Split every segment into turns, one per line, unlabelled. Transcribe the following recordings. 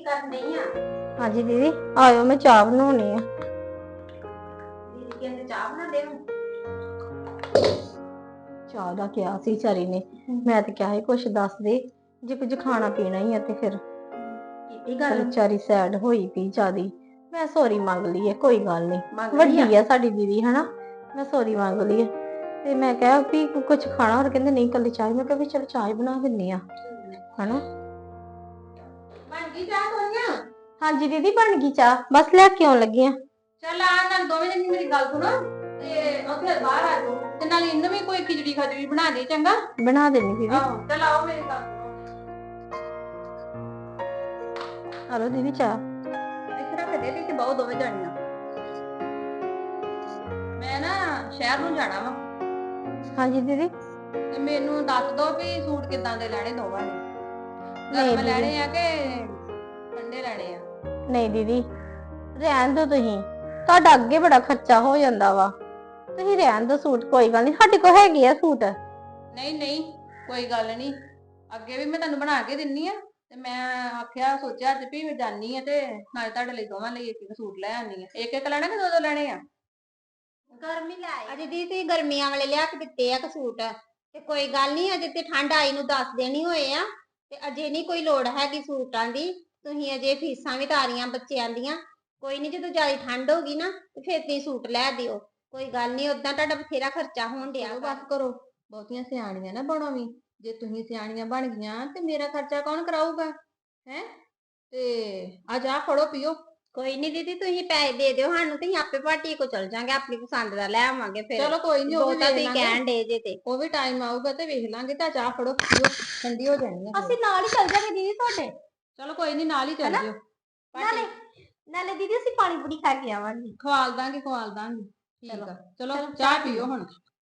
ਕਰਨ ਨਹੀਂ ਆ?
ਹਾਂਜੀ ਦੀਦੀ ਆਇਓ, ਮੈਂ ਚਾਹ ਬਣਾਉਣੀ ਆ।
ਦੀਦੀ ਕਹਿੰਦੇ ਚਾਹ ਬਣਾਉਂਦੇ ਹੋ?
ਚਾਹ ਦਾ ਕਿਹਾ ਸੀ ਵਿਚਾਰੀ ਨੇ, ਮੈਂ ਤੇ ਕਿਹਾ ਸੀ ਕੁਛ ਦੱਸ ਦੇ, ਜੇ ਕੁਝ ਖਾਣਾ ਪੀਣਾ ਹੀ ਆ ਤੇ ਫਿਰ
ਕੀਤੀ
ਚੱਲ
ਗੱਲ?
ਵਿਚਾਰੀ ਸੈਡ ਹੋਈ ਪਈ ਜਿਆਦੀ। ਮੈਂ ਸੌਰੀ ਮੰਗ ਲਈ ਹੈ, ਕੋਈ ਗੱਲ ਨਹੀਂ,
ਮੰਗ ਲਈ
ਵੱਡੀ ਆ ਸਾਡੀ ਦੀਦੀ ਹਨਾ, ਮੈਂ ਸੌਰੀ ਮੰਗ ਲਈ ਹੈ। ਤੇ ਮੈਂ ਕਿਹਾ ਵੀ ਕੁਝ ਖਾਣਾ, ਹੋਰ ਕਹਿੰਦੇ ਨਹੀਂ ਕੱਲੀ ਚਾਹ। ਮੈਂ ਕਿਹਾ ਵੀ ਚਲ ਚਾਹ ਹੀ ਬਣਾ ਦਿੰਨੀ ਆ ਹਨਾ।
ਬਣ ਗਈ ਚਾਹ ਸੋਨੀਆ?
ਹਾਂਜੀ ਦੀਦੀ ਬਣ ਗਈ ਚਾਹ, ਬਸ ਲੈ ਕੇ ਆਉਣ ਲੱਗੀ ਆ।
ਚੱਲ ਆ ਨਾਲ ਦੋਵੇਂ ਜਣੇ ਮੇਰੀ ਗੱਲ ਸੁਣੋ ਤੇ ਉੱਥੇ ਬਾਹਰ ਆ ਜਾਓ, ਤੇ ਨਾਲ ਇਹਨੂੰ ਵੀ ਕੋਈ ਖਿਚੜੀ ਖਜੜੀ ਬਣਾ ਦੇ ਚੰਗਾ।
ਬਣਾ ਦੇਣੀ ਦੀਦੀ।
ਆਹੋ ਚੱਲ ਆਓ ਮੇਰੀ ਗੱਲ ਸੁਣੋ।
ਹਲੋ ਦੀਦੀ ਚਾਹ।
ਇੱਥੇ ਰੱਖ ਦੇ ਤੇ ਬਹੁਤ ਦੋਵੇਂ ਜਾਣੀਆਂ। ਮੈਂ ਨਾ ਸ਼ਹਿਰ ਨੂੰ ਜਾਣਾ ਵਾ।
ਹਾਂਜੀ ਦੀਦੀ।
ਤੇ ਮੈਨੂੰ ਦੱਸ ਦੋ ਵੀ ਸੂਟ ਕਿੱਦਾਂ ਦੇ ਲੈਣੇ ਦੋਵਾਂ ਨੇ। ਗਰਮ ਲੈਣੇ ਆ ਕਿ ਠੰਡੇ ਲੈਣੇ ਆ?
ਨਹੀਂ ਦੀਦੀ ਰਹਿਣ ਦੋ, ਤੁਸੀਂ ਤੁਹਾਡਾ ਅੱਗੇ ਬੜਾ ਖਰਚਾ ਹੋ ਜਾਂਦਾ ਵਾ, ਤੁਸੀਂ ਰਹਿਣ ਦੋ ਸੂਟ, ਕੋਈ ਗੱਲ ਨਹੀਂ, ਸਾਡੇ ਕੋਲ ਹੈਗੇ ਆ ਸੂਟ।
ਨਹੀਂ ਨਹੀਂ ਕੋਈ ਗੱਲ ਨਹੀਂ, ਅੱਗੇ ਵੀ ਮੈਂ ਤੁਹਾਨੂੰ ਬਣਾ ਕੇ ਦਿੰਨੀ ਆ। ਤੇ ਮੈਂ ਆਖਿਆ ਸੋਚਿਆ ਅੱਜ ਵੀ ਮੈਂ ਜਾਨੀ ਆ ਤੇ ਨਾਲੇ ਤੁਹਾਡੇ ਲਈ ਦੋਵਾਂ ਲਈ ਇੱਕ ਸੂਟ ਲੈ ਆਨੀ ਆ। ਇੱਕ ਇੱਕ ਲੈਣਾ ਕਿ ਦੋ ਦੋ ਲੈਣੇ ਆ?
ਗਰਮੀ ਲੈ ਆਏ ਅਜੇ ਦੀ ਤੁਸੀਂ ਗਰਮੀਆਂ ਵਾਲੇ ਲਿਆ ਕੇ ਦਿੱਤੇ ਆ ਸੂਟ, ਤੇ ਕੋਈ ਗੱਲ ਨਹੀਂ, ਅਜੇ ਤੇ ਠੰਡ ਆਈ ਨੂੰ 10 ਦਿਨ ਹੀ ਹੋਏ ਆ, ਤੇ ਅਜੇ ਨਹੀਂ ਕੋਈ ਲੋੜ ਹੈਗੀ ਸੂਟਾਂ ਦੀ। ਤੁਸੀਂ ਅਜੇ ਫੀਸਾਂ ਵੀ ਤਾਰੀਆਂ ਬੱਚਿਆਂ ਦੀਆਂ, ਕੋਈ ਨਹੀਂ ਜਦੋਂ ਜ਼ਿਆਦਾ ਠੰਡ ਹੋਗੀ ਨਾ ਤੇ ਫਿਰ ਤੁਸੀਂ ਸੂਟ ਲੈ ਦਿਓ, ਕੋਈ ਗੱਲ ਨਹੀਂ। ਉਦਾਂ ਤੁਹਾਡਾ ਬਥੇਰਾ ਖਰਚਾ ਹੋਣ ਡਿਆ।
ਬਸ ਕਰੋ, ਬਹੁਤੀਆਂ ਸਿਆਣੀਆਂ ਨਾ ਬਣੋ ਵੀ। ਜੇ ਤੁਸੀਂ ਸਿਆਣੀਆਂ ਬਣ ਗਈਆਂ ਤੇ ਮੇਰਾ ਖਰਚਾ ਕੌਣ ਕਰਾਊਗਾ? ਹੈ ਤੇ ਆ ਜਾ ਫੜੋ ਪੀਓ।
ਕੋਈ ਨਹੀਂ ਦੀਦੀ, ਤੁਸੀਂ ਪੈਸੇ ਦੇ ਦਿਓ ਸਾਨੂੰ, ਤੁਸੀਂ ਆਪੇ ਭਾਟੀ ਕੋ ਚਲ ਜਾਾਂਗੇ, ਆਪਣੀ ਪਸੰਦ ਦਾ ਲੈ ਆਵਾਂਗੇ ਫਿਰ।
ਚਲੋ ਕੋਈ ਨਹੀਂ, ਉਹ ਵੀ
ਬਹੁਤਾ
ਵੇਖ
ਤੁਸੀਂ
ਲਾਂਗੇ,
ਕਹਿਣ ਡੇ ਜੇ ਤੇ
ਉਹ ਵੀ ਟਾਈਮ ਆਊਗਾ ਤੇ ਵੇਖ ਲਾਂਗੇ। ਤਾਂ ਚਾਹ ਫੜੋ ਪੀਓ, ਠੰਡੀ ਹੋ ਜਾਣੀ ਹੈ।
ਅਸੀਂ ਨਾਲ ਹੀ ਚੱਲ ਜਾਾਂਗੇ ਦੀਦੀ ਤੁਹਾਡੇ।
ਚਲੋ ਕੋਈ ਨਹੀਂ, ਨਾਲ ਹੀ ਚੱਲ ਜਿਓ।
ਨਾਲੇ ਦੀਦੀ ਅਸੀਂ ਪਾਣੀ ਪੂਰੀ ਖਾ ਕੇ ਆਵਾਂਗੇ।
ਖਵਾਲ ਦਾਂਗੇ ਖਵਾਲ ਦਾਂਗੇ। ਠੀਕ ਆ, ਚਲੋ ਚਾਹ ਪੀਓ ਹੁਣ।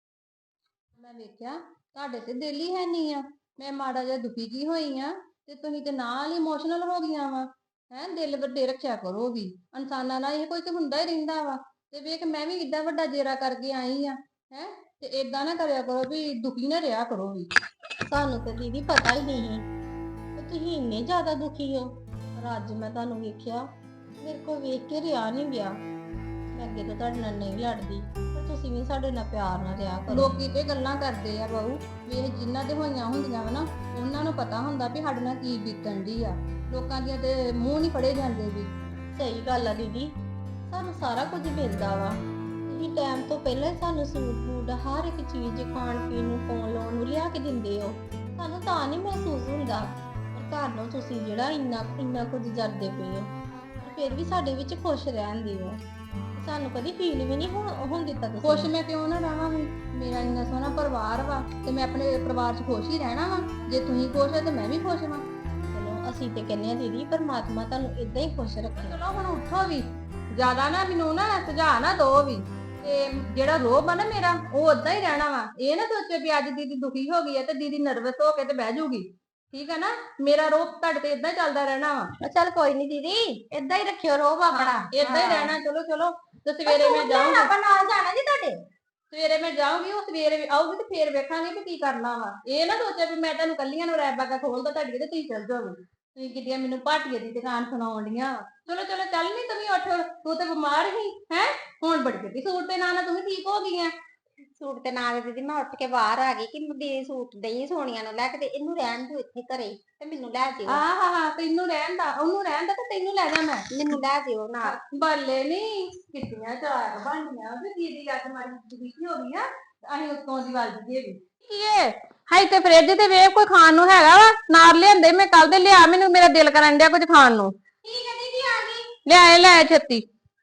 ਮੈਂ ਵੇਖਿਆ ਤੁਹਾਡੇ ਤੇ ਦਿਲ ਹੀ ਹੈ ਨਹੀਂ ਆ। ਮੈਂ ਮਾੜਾ ਜਿਹਾ ਦੁਖੀ ਜੀ ਹੋਈ ਆ ਤੇ ਤੁਸੀਂ ਤੇ ਨਾਲ ਹੀ ਇਮੋਸ਼ਨਲ ਹੋ ਗਈਆਂ ਵਾ। ਹੈ ਦਿਲ ਵੱਡੇ ਰੱਖਿਆ ਕਰੋ ਵੀ, ਇਨਸਾਨਾਂ ਨਾਲ ਇਹ ਕੋਈ ਤੇ ਹੁੰਦਾ ਹੀ ਰਹਿੰਦਾ ਵਾ। ਤੇ ਵੇਖ ਮੈਂ ਵੀ ਏਡਾ ਵੱਡਾ ਜੇਰਾ ਕਰਕੇ ਆਈ ਆ, ਹੈ ਤੇ ਏਦਾਂ ਨਾ ਕਰਿਆ ਕਰੋ ਵੀ ਦੁਖੀ ਨਾ ਰਿਹਾ ਕਰੋ ਵੀ।
ਸਾਨੂੰ ਤੇ ਦੀਦੀ ਪਤਾ ਹੀ ਨਹੀਂ ਤੇ ਤੁਸੀਂ ਇੰਨੇ ਜ਼ਿਆਦਾ ਦੁਖੀ ਹੋ, ਪਰ ਅੱਜ ਮੈਂ ਤੁਹਾਨੂੰ ਵੇਖਿਆ, ਮੇਰੇ ਕੋਲ ਵੇਖ ਕੇ ਰਿਹਾ ਨਹੀਂ ਗਿਆ। ਮੈਂ ਅੱਗੇ ਤਾਂ ਤੁਹਾਡੇ ਨਾਲ ਨਹੀਂ ਲੜਦੀ, ਪਰ ਤੁਸੀਂ ਵੀ ਸਾਡੇ ਨਾਲ ਪਿਆਰ ਨਾਲ ਰਿਹਾ ਕਰੋ।
ਲੋਕੀ ਤੇ ਗੱਲਾਂ ਕਰਦੇ ਆ ਬਾਊ, ਵੇਖ ਜਿਨ੍ਹਾਂ ਦੇ ਹੋਈਆਂ ਹੁੰਦੀਆਂ ਵਾ ਨਾ, ਉਹਨਾਂ ਨੂੰ ਪਤਾ ਹੁੰਦਾ ਵੀ ਸਾਡੇ ਨਾਲ ਕੀ ਬੀਤਣ ਦੀ ਆ। ਲੋਕਾਂ ਦੀਆਂ ਤੇ ਮੂੰਹ ਨਹੀਂ ਫੜੇ ਜਾਂਦੇ ਵੀ।
ਸਹੀ ਗੱਲ ਆ ਦੀਦੀ, ਸਾਨੂੰ ਸਾਰਾ ਕੁਝ ਮਿਲਦਾ ਵਾ, ਤੁਸੀਂ ਟਾਈਮ ਤੋਂ ਪਹਿਲਾਂ ਹੀ ਸਾਨੂੰ ਸੂਟ ਬੂਟ ਹਰ ਇੱਕ ਚੀਜ਼ ਖਾਣ ਪੀਣ ਨੂੰ ਪਾਉਣ ਲਾਉਣ ਨੂੰ ਲਿਆ ਕੇ ਦਿੰਦੇ ਹੋ। ਸਾਨੂੰ ਤਾਂ ਨਹੀਂ ਮਹਿਸੂਸ ਹੁੰਦਾ, ਪਰ ਘਰ ਨੂੰ ਤੁਸੀਂ ਜਿਹੜਾ ਇੰਨਾ ਕੁਝ ਜਰਦੇ ਪਏ ਹੋ, ਪਰ ਫਿਰ ਵੀ ਸਾਡੇ ਵਿੱਚ ਖੁਸ਼ ਰਹਿੰਦੇ ਹੋ। ਸਾਨੂੰ ਕਦੀ ਫੀਲ ਵੀ ਨਹੀਂ ਹੋਣ ਦਿੱਤਾ ਤੁਸੀਂ।
ਖੁਸ਼ ਮੈਂ ਕਿਉਂ ਨਾ ਰਹਾਂ ਵੀ, ਮੇਰਾ ਇੰਨਾ ਸੋਹਣਾ ਪਰਿਵਾਰ ਵਾ ਤੇ ਮੈਂ ਆਪਣੇ ਪਰਿਵਾਰ 'ਚ ਖੁਸ਼ ਹੀ ਰਹਿਣਾ ਵਾ। ਜੇ ਤੁਸੀਂ ਖੁਸ਼ ਹੋ ਤੇ ਮੈਂ ਵੀ ਖੁਸ਼ ਹਾਂ।
ਚਲੋ ਅਸੀਂ ਤੇ ਕਹਿੰਦੇ ਆ ਦੀਦੀ, ਪਰਮਾਤਮਾ ਤੁਹਾਨੂੰ ਇਦਾਂ ਹੀ ਖੁਸ਼ ਰੱਖੇ।
ਚਲੋ ਹੁਣ ਉੱਠੋ ਵੀ, ਜ਼ਿਆਦਾ ਨਾ ਮੈਨੂੰ ਨਾ ਸੁਝਾਅ ਨਾ ਦੋ ਵੀ, ਤੇ ਜਿਹੜਾ ਰੋਬ ਆ ਨਾ ਮੇਰਾ ਉਹ ਓਦਾਂ ਹੀ ਰਹਿਣਾ ਵਾ। ਇਹ ਨਾ ਸੋਚੇ ਵੀ ਅੱਜ ਦੀਦੀ ਦੁਖੀ ਹੋ ਗਈ ਹੈ ਤੇ ਦੀਦੀ ਨਰਵਸ ਹੋ ਕੇ ਤੇ ਬਹਿ ਜਾਊਗੀ, ਠੀਕ ਹੈ ਨਾ। ਮੇਰਾ ਰੋਬ ਤੁਹਾਡੇ ਤੇ ਏਦਾਂ ਚੱਲਦਾ ਰਹਿਣਾ ਵਾ।
ਚੱਲ ਕੋਈ ਨਹੀਂ ਦੀਦੀ, ਏਦਾਂ ਹੀ ਰੱਖਿਓ ਰੋਬ ਆਪਣਾ,
ਏਦਾਂ ਹੀ ਰਹਿਣਾ। ਚਲੋ ਚਲੋ, ਤੇ ਸਵੇਰੇ ਮੈਂ ਜਾਊਂਗੀ,
ਆਪਾਂ ਨਾਲ ਜਾਣਾ ਜੀ ਤੁਹਾਡੇ।
ਸਵੇਰੇ ਮੈਂ ਜਾਊਂਗੀ, ਉਹ ਸਵੇਰੇ ਆਊਗੀ ਤੇ ਫੇਰ ਵੇਖਾਂਗੇ ਵੀ ਕੀ ਕਰਨਾ ਵਾ। ਇਹ ਨਾ ਸੋਚਿਆ ਵੀ ਮੈਂ ਤੁਹਾਨੂੰ ਕੱਲੀਆਂ ਨੂੰ ਰੈਪ ਬਾਗਾ ਖੋਲਦਾ ਤੁਹਾਡੀ ਤੇ ਤੁਸੀਂ ਚੱਲ ਜਾਓਗੇ। ਤੁਸੀਂ ਕਿੱਡੀਆਂ ਮੈਨੂੰ ਭਾਟੀਏ ਦੀ ਦੁਕਾਨ ਸੁਣਾਉਣ ਡੀਆਂ। ਚਲੋ ਚਲੋ ਚੱਲ ਨੀ ਤੂੰ ਵੀ ਉੱਠ, ਤੂੰ ਤੇ ਬਿਮਾਰ ਹੀ ਹੈ, ਹੁਣ ਬੜੀ ਜਲਦੀ ਸੂਟ ਦੇ ਨਾਲ ਤੂੰ ਵੀ ਠੀਕ ਹੋ ਗਈ ਆ।
ਸੂਟ ਤੇ ਨਾਲ ਦੀਦੀ ਮੈਂ ਉੱਠ ਕੇ ਬਾਹਰ ਆ ਗਈ ਕਿ ਦੀਦੀ ਸੂਟ ਦਈ ਸੋਨੀਆ ਨੂੰ ਲੈ ਕੇ, ਤੇ ਇਹਨੂੰ ਰਹਿਣ ਦਿਓ ਇੱਥੇ ਘਰੇ ਤੇ ਮੈਨੂੰ ਲੈ ਜਿਓ।
ਹਾਂ ਤੈਨੂੰ ਰਹਿਣ ਦਾ, ਉਹਨੂੰ ਰਹਿਣ ਦਾ ਤੇ ਤੈਨੂੰ ਲੈ ਜਾ ਮੈਂ।
ਮੈਨੂੰ ਲੈ ਜਿਓ ਨਾਲ।
ਬੱਲੇ ਨੀ ਕਿੱਡੀਆਂ ਚਾਰ ਬਣੀਆਂ ਵੀ ਦੀਦੀ ਅੱਜ ਮਾਰੀ ਦੁਖੀ ਹੋ ਗਈ ਆ, ਅਸੀਂ ਉੱਤੋਂ ਦੀ ਵੱਲ ਦੀ ਵੀ ਕੀ ਏ। ਹਾਈ ਤੇ ਫ੍ਰਿਜ ਤੇ ਵੇਖ ਕੋਈ ਖਾਣ ਨੂੰ ਹੈਗਾ ਵਾ, ਨਾਲ ਲਿਆਂਦੇ ਮੈਂ ਕੱਲ ਦੇ, ਲਿਆ ਮੈਨੂੰ, ਮੇਰਾ ਦਿਲ ਕਰਨ ਡਿਆ ਕੁਝ ਖਾਣ ਨੂੰ।
ਠੀਕ ਹੈ ਦੀਦੀ ਆ ਗਈ।
ਲੈ ਛੇਤੀ।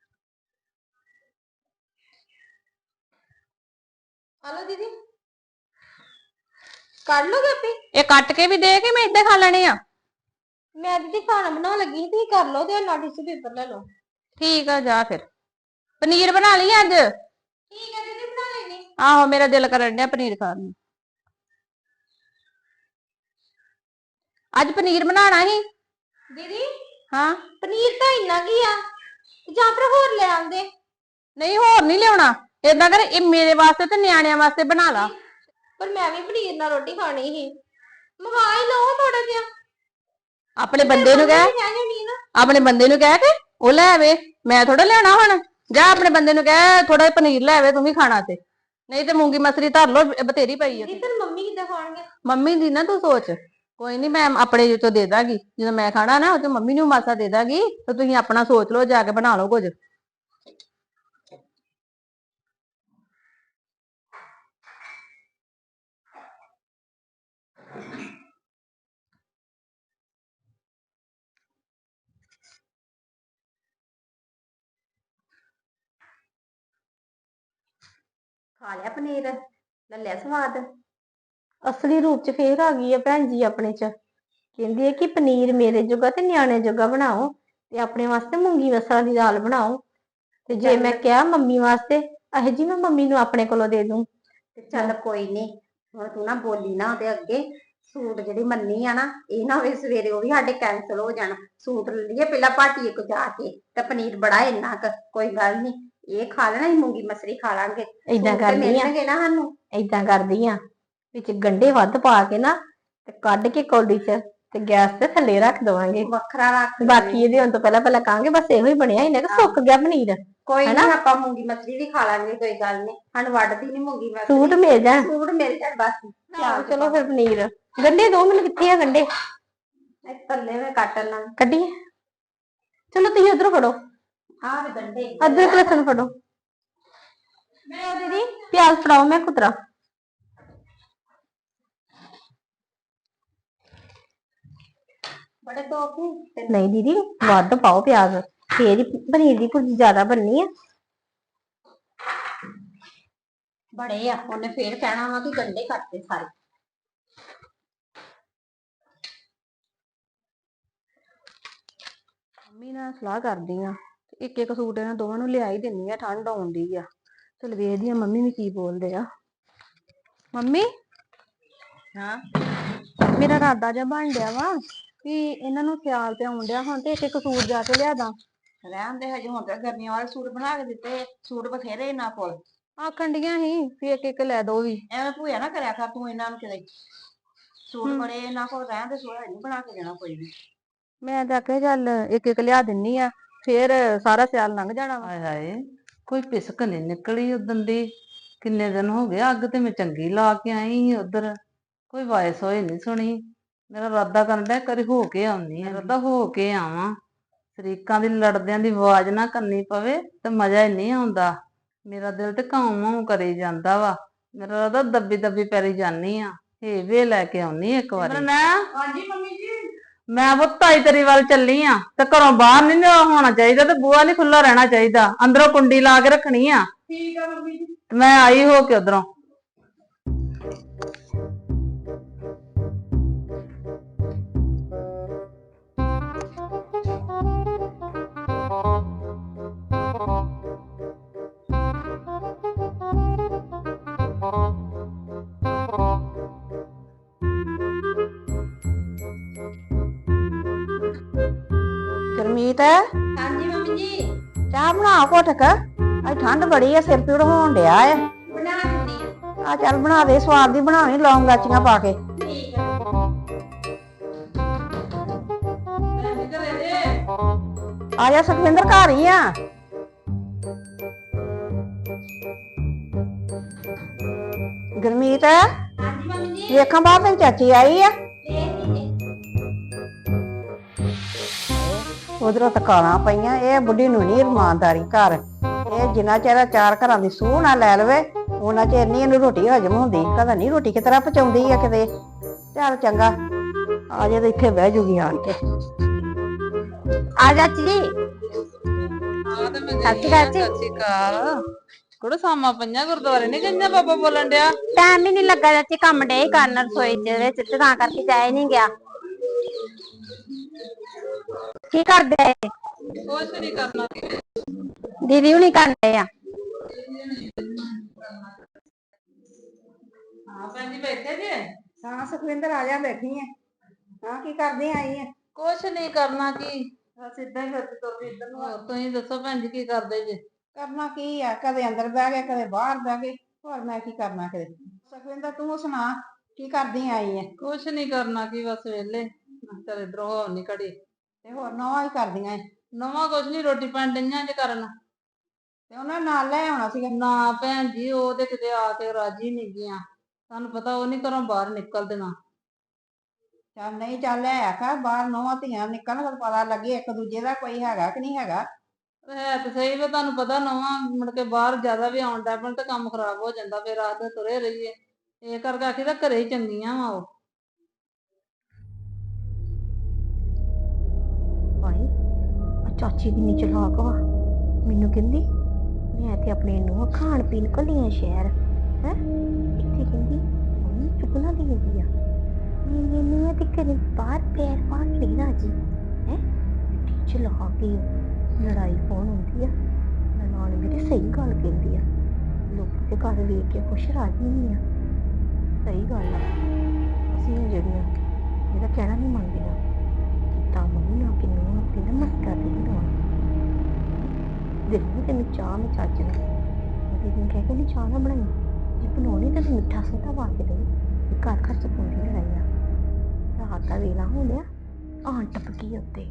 ਹਲੋ ਦੀਦੀ ਕੱਢ ਲੋਗੇ ਆਪੇ?
ਇਹ ਕੱਟ ਕੇ ਵੀ ਦੇ ਕੇ ਮੈਂ ਏਦਾਂ ਖਾ ਲੈਣੇ ਆ?
ਮੈਂ ਦੀਦੀ ਖਾਣਾ ਬਣਾਉਣ ਲੱਗੀ, ਤੁਸੀਂ ਕਰ ਲਓ ਤੇ ਨਾਲ ਟਿਸ਼ੂ ਪੇਪਰ ਲੈ ਲਓ।
ਠੀਕ ਆ, ਜਾ ਫਿਰ। ਪਨੀਰ ਬਣਾ ਲਈ ਅੱਜ?
ਠੀਕ ਹੈ ਦੀਦੀ ਬਣਾ ਲੈਣੀ।
ਆਹੋ ਮੇਰਾ ਦਿਲ ਕਰਨ ਡਿਆ ਪਨੀਰ ਖਾਣ ਨੂੰ। ਅੱਜ ਪਨੀਰ ਬਣਾਉਣਾ ਸੀ
ਦੀਦੀ
ਹਾਂ।
ਪਨੀਰ ਤਾਂ ਇੰਨਾ ਕੀ ਆ, ਜਾਂ ਫਿਰ ਹੋਰ ਲੈ ਆਉਂਦੇ।
ਨਹੀਂ ਹੋਰ ਨਹੀਂ ਲਿਆਉਣਾ, ਏਦਾਂ ਕਰ ਇਹ ਮੇਰੇ ਵਾਸਤੇ ਤੇ ਨਿਆਣਿਆਂ ਵਾਸਤੇ ਬਣਾ ਲਾ।
ਪਰ ਮੈਂ ਵੀ ਪਨੀਰ ਨਾਲ ਰੋਟੀ ਖਾਣੀ ਸੀ, ਮੰਗਾ ਹੀ ਲਓ ਥੋੜਾ ਜਿਹਾ।
ਆਪਣੇ ਬੰਦੇ ਨੂੰ ਕਹਿ, ਆਪਣੇ ਬੰਦੇ ਨੂੰ ਕਹਿ ਕੇ ਉਹ ਲੈ ਆਵੇ, ਮੈਂ ਥੋੜਾ ਲੈਣਾ ਹੁਣ। ਜਾ ਆਪਣੇ ਬੰਦੇ ਨੂੰ ਕਹਿ ਥੋੜਾ ਜਿਹਾ ਪਨੀਰ ਲੈ ਆਵੇ, ਤੂੰ ਵੀ ਖਾਣਾ ਤੇ, ਨਹੀਂ ਤੇ ਮੂੰਗੀ ਮਸਰੀ ਧਰ ਲੋ, ਬਥੇਰੀ ਪਈ ਆ।
ਦੀਦੀ ਫਿਰ ਮੰਮੀ ਕਿੱਦਾਂ ਖਾਣਗੇ?
ਮੰਮੀ ਦੀ ਨਾ ਤੂੰ ਸੋਚ, ਕੋਈ ਨਹੀਂ ਮੈਂ ਆਪਣੇ ਚੋਂ ਦੇ ਦਾਂਗੀ, ਜਦੋਂ ਮੈਂ ਖਾਣਾ ਨਾ ਉਹ ਚ ਮੰਮੀ ਨੂੰ ਮਾਸਾ ਦੇ ਦਾਂਗੀ, ਤੇ ਤੁਸੀਂ ਆਪਣਾ ਸੋਚ ਲਓ, ਜਾ ਕੇ ਬਣਾ ਲਓ ਕੁਝ।
ਖਾ ਲਿਆ ਪਨੀਰ, ਲੈ ਲਿਆ ਸਵਾਦ।
ਅਸਲੀ ਰੂਪ ਚ ਫੇਰ ਆ ਗਈ ਆ ਭੈਣ ਜੀ ਆਪਣੇ ਚ। ਕਹਿੰਦੀ ਹੈ ਕਿ ਪਨੀਰ ਮੇਰੇ ਜੋਗਾ ਤੇ ਨਿਆਣੇ ਜੋਗਾ ਬਣਾਓ, ਤੇ ਆਪਣੇ ਵਾਸਤੇ ਮੂੰਗੀ ਮਸਰਾਂ ਦੀ ਦਾਲ ਬਣਾਓ। ਤੇ ਜੇ ਮੈਂ ਕਿਹਾ ਮੰਮੀ ਵਾਸਤੇ, ਇਹ ਜੀ ਮੈਂ ਮੰਮੀ ਨੂੰ ਆਪਣੇ ਕੋਲੋਂ ਦੇ ਦੂੰ।
ਤੇ ਚੱਲ ਕੋਈ ਨੀ, ਹੁਣ ਤੂੰ ਨਾ ਬੋਲੀ ਨਾ ਉਹਦੇ ਅੱਗੇ। ਸੂਟ ਜਿਹੜੀ ਮੰਨੀ ਆ ਨਾ, ਇਹ ਨਾ ਹੋਵੇ ਸਵੇਰੇ ਉਹ ਵੀ ਸਾਡੇ ਕੈਂਸਲ ਹੋ ਜਾਣ। ਸੂਟ ਲੈ ਲਈਏ ਪਹਿਲਾਂ ਭਾਟੀਏ ਕੋ ਜਾ ਕੇ, ਤੇ ਪਨੀਰ ਬੜਾ ਇੰਨਾ ਕੁ, ਕੋਈ ਗੱਲ ਨੀ, ਇਹ ਖਾ ਲੈਣਾ, ਅਸੀਂ ਮੂੰਗੀ ਮਸਰੀ ਖਾ ਲਾਂਗੇ।
ਏਦਾਂ ਕਰਦੀ ਆ,
ਮਿਲਣਗੇ ਨਾ ਸਾਨੂੰ।
ਏਦਾਂ ਕਰਦੀ ਆ, ਵਿੱਚ ਗੰਢੇ ਵੱਧ ਪਾ ਕੇ ਨਾ, ਤੇ ਕੱਢ ਕੇ ਕੌਲੀ ਚ, ਤੇ ਗੈਸ ਤੇ ਥੱਲੇ ਰੱਖ ਦਵਾਂਗੇ,
ਵੱਖਰਾ ਰੱਖ।
ਬਾਕੀ ਇਹਦੇ ਹੁਣ ਤੋਂ ਪਹਿਲਾਂ ਕਹਾਂਗੇ ਬਸ ਇਹੋ ਹੀ ਬਣਿਆ, ਇਹਨੇ ਕਿ ਸੁੱਕ ਗਿਆ ਪਨੀਰ।
ਕੋਈ ਨੀ, ਆਪਾਂ ਮੂੰਗੀ ਮਸਰੀ ਵੀ ਖਾ ਲਾਂਗੇ, ਕੋਈ ਗੱਲ ਨੀ, ਸਾਨੂੰ ਵੱਢਦੀ ਨੀ ਮੂੰਗੀ ਮਸਰੀ।
ਸੂਟ ਮਿਲ ਜਾਣ,
ਸੂਟ ਮਿਲ ਜਾਣ ਬਸ।
ਚਲੋ ਫਿਰ ਪਨੀਰ, ਗੰਢੇ ਦੋ ਮੈਨੂੰ, ਕਿੱਥੇ ਆ ਗੰਢੇ?
ਥੱਲੇ ਮੈਂ ਕੱਟਣ ਨਾਲ
ਕੱਢੀਏ, ਚਲੋ ਤੁਸੀਂ ਉਧਰੋਂ ਫੜੋ,
ਆਹ ਗੰਢੇ
ਅਦਰਕ ਲਸਣ ਫੜੋ। ਮੈਂ ਦੀਦੀ ਪਿਆਜ਼ ਫੜਾਓ, ਮੈਂ ਕੁਤਰਾ।
ਬੜੇ ਤੋਪ
ਨਹੀਂ ਦੀਦੀ, ਵੱਧ ਪਾਓ ਪਿਆਜ਼, ਫੇਰ ਹੀ ਪਨੀਰ ਦੀ ਭੁਰਜੀ ਜ਼ਿਆਦਾ ਬਣਨੀ ਆ।
ਬੜੇ ਆ, ਉਹਨੇ ਫੇਰ ਕਹਿਣਾ ਵਾ ਕਿ ਗੰਢੇ ਕੱਟਦੇ ਸਾਰੇ।
ਮੰਮੀ ਨਾਲ ਸਲਾਹ ਕਰਦੀ ਆ, ਇੱਕ ਇੱਕ ਸੂਟ ਇਹਨਾਂ ਦੋਵਾਂ ਨੂੰ ਲਿਆ ਹੀ ਦਿੰਨੀ ਆ, ਠੰਡ ਆਉਂਦੀ ਆ। ਚਲ ਵੇਖਦੀ ਆ ਮੰਮੀ ਵੀ ਕੀ ਬੋਲਦੇ ਆ। ਮੰਮੀ,
ਹਾਂ
ਮੇਰਾ ਇਰਾਦਾ ਜਿਹਾ ਬਣ ਡਿਆ ਵਾ ਕਿ ਇਹਨਾਂ ਨੂੰ ਸਿਆਲ ਤੇ ਆਉਣ ਡਿਆ, ਹੁਣ ਤੇ ਇੱਕ ਇੱਕ ਸੂਟ ਜਾ ਕੇ ਲਿਆ ਦਾਂ।
ਰਹਿਣ ਦੇ, ਹਜੇ ਹੁਣ ਤਾਂ ਗਰਮੀਆਂ ਵਾਲੇ ਸੂਟ ਬਣਾ ਕੇ ਦਿੱਤੇ, ਸੂਟ ਬਥੇਰੇ ਇਹਨਾਂ ਕੋਲ।
ਆਖਣ ਡੀਆਂ ਸੀ ਵੀ ਇੱਕ ਇੱਕ ਲੈ ਦੋ ਵੀ।
ਐਵੇਂ ਭੂਆ ਨਾ ਕਰਿਆ ਕਰ ਤੂੰ ਇਹਨਾਂ ਨੂੰ ਕਿਤੇ, ਸੂਟ ਬੜੇ ਇਹਨਾਂ ਕੋਲ, ਰਹਿਣ ਦੇ, ਸੂਟ ਨਹੀਂ ਬਣਾ ਕੇ ਦੇਣਾ ਕੋਈ ਵੀ।
ਮੈਂ ਤਾਂ ਆਖਿਆ ਚੱਲ ਇੱਕ ਇੱਕ ਲਿਆ ਦਿੰਨੀ ਆ, ਫੇਰ ਸਾਰਾ ਸਿਆਲ ਲੰਘ ਜਾਣਾ ਵਾ।
ਹਾਏ ਹਾਏ, ਕੋਈ ਪਿਸਕ ਨੀ ਨਿਕਲੀ ਉਦਣ ਦੀ, ਕਿੰਨੇ ਦਿਨ ਹੋ ਗਏ। ਅੱਗ ਤੇ ਮੈਂ ਚੰਗੀ ਲਾ ਕੇ ਆਈ ਸੀ ਉਧਰ, ਕੋਈ ਵਾਇਸ ਹੋਏ ਨੀ ਸੁਣੀ। ਮੇਰਾ ਇਰਾਦਾ ਕਰਨ ਡਿਆ ਕਰੀ ਹੋ ਕੇ ਆਉਣੀ ਆ, ਇਰਾਦਾ ਹੋ ਕੇ ਆਵਾਂ, ਸ਼ਰੀਕਾਂ ਦੀ ਲੜਦਿਆਂ ਦੀ ਆਵਾਜ਼ ਨਾ ਕੰਨੀ ਪਵੇ ਤੇ ਮਜ਼ਾ ਹੀ ਨਹੀਂ ਆਉਂਦਾ। ਮੇਰਾ ਦਿਲ ਤੇ ਘਾਉ ਮਾਉ ਕਰੀ ਜਾਂਦਾ ਵਾ, ਮੇਰਾ ਇਰਾਦਾ ਦੱਬੀ ਦੱਬੀ ਪੈਰੀ ਜਾਨੀ ਆ, ਹੇਵੇ ਲੈ ਕੇ ਆਉਣੀ ਇੱਕ ਵਾਰੀ।
ਹਾਂਜੀ ਮੰਮੀ ਜੀ।
ਮੈਂ ਪੁੱਤ ਤਾਈ ਤੇਰੀ ਵੱਲ ਚੱਲੀ ਆ, ਤੇ ਘਰੋਂ ਬਾਹਰ ਨੀ ਹੋਣਾ ਚਾਹੀਦਾ, ਤੇ ਬੂਹਾ ਨੀ ਖੁੱਲਾ ਰਹਿਣਾ ਚਾਹੀਦਾ, ਅੰਦਰੋਂ ਕੁੰਡੀ ਲਾ ਕੇ ਰੱਖਣੀ ਆ।
ਠੀਕ ਆ ਮੰਮੀ ਜੀ।
ਮੈਂ ਆਈ ਹੋ ਕੇ ਉਧਰੋਂ।
ਗੁਰਮੀਤ,
ਹਾਂਜੀ ਮੰਮੀ ਜੀ।
ਚਾਹ ਬਣਾ ਘੁੱਟ ਕੇ, ਅੱਜ ਠੰਡ ਬੜੀ ਆ, ਸਿਰ ਪੀੜ ਹੋਣ ਡਿਆ ਆ।
ਬਣਾ ਦਿੰਦੀ ਆ।
ਚੱਲ ਬਣਾ ਦੇ, ਸਵਾਦ ਦੀ ਬਣਾਵੀਂ, ਲੌਂਗ ਲਾਚੀਆਂ ਪਾ ਕੇ।
ਠੀਕ ਆ।
ਆ ਜਾ ਸੁਖਵਿੰਦਰ, ਘਰ ਹੀ ਆ। ਗੁਰਮੀਤ,
ਹਾਂਜੀ ਮੰਮੀ ਜੀ।
ਵੇਖਾਂ ਬਾਹਰ ਤੇਰੀ ਚਾਚੀ ਆਈ ਆ। ਉਧਰੋਂ ਤਕਾਲਾਂ ਪਈਆਂ, ਇਹ ਬੁੱਢੀ ਨੂੰ ਨੀ ਇਮਾਨਦਾਰੀ ਘਰ, ਇਹ ਜਿੰਨਾ ਚਿਰ ਚਾਰ ਘਰਾਂ ਦੀ ਸੂਹ ਨਾ ਲੈ ਲਵੇ ਉਹਨਾਂ ਚਿਰ ਨੀ ਇਹਨੂੰ ਰੋਟੀ ਹਜਮ ਹੁੰਦੀ। ਪਤਾ ਨੀ ਰੋਟੀ ਕਿਸ ਤਰ੍ਹਾਂ ਪਚਾਉਂਦੀ ਆ ਕਿਤੇ। ਚੱਲ ਚੰਗਾ, ਆ ਜਾ ਤੇ ਇੱਥੇ ਬਹਿ ਜੂਗੀ ਆਣ ਕੇ। ਆ ਜਾ ਚਲੀ।
ਸਤਿ ਸ਼੍ਰੀ ਅਕਾਲ। ਕੁੜੇ ਸਾਮਾਂ ਪਈਆਂ, ਗੁਰਦੁਆਰੇ ਨੀ ਗਈਆਂ? ਬਾਬਾ ਬੋਲਣ ਡਿਆ।
ਟਾਈਮ ਹੀ ਨੀ ਲੱਗਾ ਚਾਚੀ, ਕੰਮ ਡੇ ਕਰਨ ਰਸੋਈ ਦੇ ਵਿੱਚ, ਤੇ ਤਾਂ ਕਰਕੇ ਜਾਇਆ ਨੀ ਗਿਆ। ਕੀ ਕਰਦੇ?
ਕੁਛ ਨੀ ਕਰਨਾ।
ਦੀਦੀ ਹੁਣੀ ਕਰਦੇ ਆ।
ਹਾਂ ਭੈਣ ਜੀ, ਬੈਠੇ ਜੇ?
ਹਾਂ ਸੁਖਵਿੰਦਰ, ਆ ਜਾ, ਬੈਠੀ ਆ। ਹਾਂ ਕੀ ਕਰਦੀ ਆਈ ਆ?
ਕੁਛ ਨੀ ਕਰਨਾ ਕੀ, ਬਸ ਏਦਾਂ ਹੀ ਫਿਰਦੀ ਤੁਰਦੀ ਇੱਧਰ ਨੂੰ। ਹੋਰ ਤੁਸੀਂ ਦੱਸੋ ਭੈਣ ਜੀ, ਕੀ ਕਰਦੇ ਜੇ?
ਕਰਨਾ ਕੀ ਆ, ਕਦੇ ਅੰਦਰ ਬਹਿ ਗਏ, ਕਦੇ ਬਾਹਰ ਬਹਿ ਗਏ, ਹੋਰ ਮੈਂ ਕੀ ਕਰਨਾ ਕਦੇ। ਸੁਖਵਿੰਦਰ ਤੂੰ ਸੁਣਾ, ਕੀ ਕਰਦੀ ਆਈ ਆ?
ਕੁਛ ਨੀ ਕਰਨਾ ਕੀ, ਬਸ ਵੇਲੇ। ਚੱਲ ਇੱਧਰੋਂ ਹੋ ਨੀ ਘੜੀ।
ਤੇ ਹੋਰ ਨਵਾਂ ਹੀ ਕਰਦੀਆਂ ਏ।
ਨਵਾਂ ਕੁਛ ਨਹੀਂ, ਰੋਟੀ ਪਾਣੀ ਡਈਆਂ ਜੇ ਕਰਨ।
ਤੇ ਉਹਨਾਂ ਨੇ ਨਾਲ ਲੈ ਆਉਣਾ ਸੀਗਾ।
ਨਾ ਭੈਣ ਜੀ, ਉਹ ਤੇ ਕਿਤੇ ਆ ਕੇ ਰਾਜੀ ਨਹੀਂ ਗਈਆਂ। ਤੁਹਾਨੂੰ ਪਤਾ ਉਹ ਨਹੀਂ ਘਰੋਂ ਬਾਹਰ ਨਿਕਲਦੀਆਂ।
ਚੱਲ ਨਹੀਂ, ਚੱਲ ਲੈ ਆਖਾ ਬਾਹਰ ਨਵਾਂ ਧੀਆਂ ਨਿਕਲਣ ਫਿਰ ਪਤਾ ਲੱਗੇ ਇੱਕ ਦੂਜੇ ਦਾ ਕੋਈ ਹੈਗਾ ਕਿ ਨਹੀਂ ਹੈਗਾ।
ਹੈ ਤੇ ਸਹੀ ਵਾ, ਤੁਹਾਨੂੰ ਪਤਾ ਨਵਾਂ ਮੁੜ ਕੇ ਬਾਹਰ ਜ਼ਿਆਦਾ ਵੀ ਆਉਣ ਡੈ ਪੈਣ ਤੇ ਕੰਮ ਖਰਾਬ ਹੋ ਜਾਂਦਾ, ਫਿਰ ਆਖਦੇ ਤੁਰੇ ਰਹੀਏ। ਇਹ ਕਰਕੇ ਆਖੀ ਤਾਂ ਘਰੇ ਹੀ ਚੰਗੀਆਂ ਵਾ ਉਹ।
ਭਾਈ ਆ ਚਾਚੀ ਕਿੰਨੀ ਚਲਾਕ ਵਾ। ਮੈਨੂੰ ਕਹਿੰਦੀ ਮੈਂ ਤੇ ਆਪਣੇ ਨੂੰ ਖਾਣ ਪੀਣ ਘੱਲੀਆਂ ਸ਼ਹਿਰ ਹੈ, ਇੱਥੇ ਕਹਿੰਦੀ ਮੰਮੀ ਚੁਗਣਾ ਦੀ ਹੁੰਦੀ ਆ। ਮੈਨੂੰ ਤੇ ਘਰੇ ਬਾਹਰ ਪੈਰ ਪਾ ਕੇ ਨਹੀਂ ਰਾਜੀ ਹੈ। ਚਲਾ ਕੇ ਲੜਾਈ ਪਾਉਣ ਹੁੰਦੀ ਆ, ਨਨਾਣ ਮੇਰੇ ਸਹੀ ਗੱਲ ਕਹਿੰਦੀ ਆ। ਲੋਕਾਂ ਦੇ ਘਰ ਵੇਖ ਕੇ ਖੁਸ਼ ਰਾਜੀ ਨਹੀਂ ਆ। ਸਹੀ ਗੱਲ ਆ, ਅਸੀਂ ਆ ਜਿਹੜੀਆਂ ਇਹਦਾ ਕਹਿਣਾ ਨਹੀਂ ਮੰਨਦੀਆਂ। ਤਾਂ ਮੰਮੀ ਆ ਕੇ ਨੂੰ ਆਪਣੀ ਨਾ ਮਸਕਾ ਤੇ ਬਣਾਉਣ ਦੇਖੋ ਤੈਨੂੰ ਚਾਹ ਮੈਂ ਚੱਜ ਨਾਲ ਦੀਦੀ ਨੂੰ ਕਹਿ ਕੇ ਨਹੀਂ ਚਾਹ ਨਾ ਬਣਾਈ, ਜੇ ਬਣਾਉਣੀ ਤਾਂ ਮਿੱਠਾ ਸੋਡਾ ਪਾ ਕੇ ਦੇ। ਘਰ ਘਰ ਚ ਪਾਉਂਦੀ ਲੜਾਈ ਆ। ਰਾਤ ਦਾ ਵੇਲਾ ਹੋ ਲਿਆ, ਆਣ ਟਪਕੀ ਉੱਤੇ।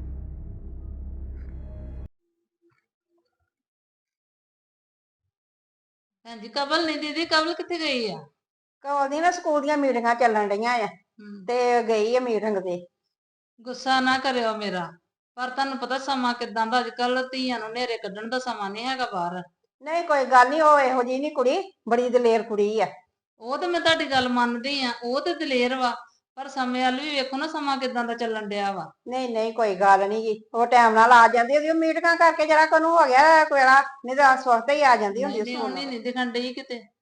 ਭੈਣ ਜੀ ਕਬਲ ਨਹੀਂ ਦੀਦੀ, ਕਬਲ ਕਿੱਥੇ ਗਈ ਆ?
ਕਵਲ ਦੀ ਨਾ ਸਕੂਲ ਦੀਆਂ ਮੀਟਿੰਗਾਂ ਚੱਲਣ ਡਈਆਂ ਆ ਤੇ ਗਈ ਆ ਮੀਟਿੰਗ ਤੇ।
ਗੁੱਸਾ ਨਾ ਕਰਿਓ ਮੇਰਾ, ਪਰ ਤੁਹਾਨੂੰ ਪਤਾ ਸਮਾਂ ਕਿਦਾਂ ਦਾ, ਅੱਜ ਕੱਲ ਧੀਆਂ ਨੂੰ ਨੇਰੇ ਕੱਢਣ ਦਾ ਸਮਾਂ ਨਹੀਂ ਹੈਗਾ ਬਾਹਰ।
ਨਹੀਂ ਕੋਈ ਗੱਲ ਨਹੀਂ, ਉਹ ਇਹੋ ਜਿਹੀ ਨਹੀਂ ਕੁੜੀ, ਬੜੀ ਦਲੇਰ ਕੁੜੀ ਆ।
ਉਹ ਤੇ ਮੈਂ ਤੁਹਾਡੀ ਗੱਲ ਮੰਨਦੀ ਆ, ਉਹ ਤੇ ਦਲੇਰ ਵਾ, ਪਰ ਸਮੇਂ ਵੱਲ ਵੀ ਵੇਖੋ ਨਾ, ਸਮਾਂ ਕਿਦਾਂ ਦਾ ਚੱਲਣ ਡਿਆ ਵਾ।
ਨਹੀਂ ਨਹੀਂ ਕੋਈ ਗੱਲ ਨਹੀਂ ਜੀ, ਉਹ ਟਾਈਮ ਨਾਲ ਆ ਜਾਂਦੀ ਉਹਦੀ ਮੀਟਿੰਗਾਂ ਕਰਕੇ ਜਰਾ ਕੋਨੂੰ ਹੋ ਗਿਆ ਕੋਲਾ, ਨਹੀਂ ਤਾਂ ਸਵਖਤੇ ਹੀ ਆ ਜਾਂਦੀ ਹੁੰਦੀ
ਨਹੀਂ
ਸਕੂਲ
ਉਹਨੇ
ਨਾਲ।
ਨਹੀਂ ਦਿਖਣ ਡਈ ਕਿਤੇ।